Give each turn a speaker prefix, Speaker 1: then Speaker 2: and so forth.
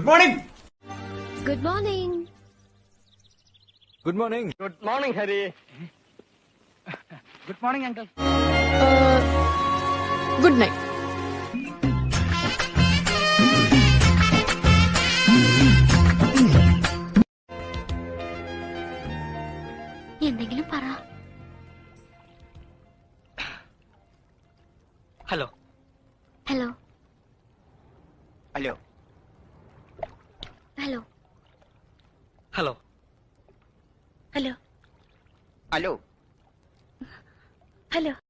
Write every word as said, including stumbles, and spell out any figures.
Speaker 1: Good morning.
Speaker 2: Good morning.
Speaker 1: Good morning.
Speaker 3: Good morning Hari. Good morning uncle.
Speaker 2: Good night. എന്തെങ്കിലും പറ.
Speaker 3: Hello
Speaker 2: hello
Speaker 3: hello
Speaker 2: hello
Speaker 3: hello
Speaker 2: hello
Speaker 3: hello
Speaker 2: hello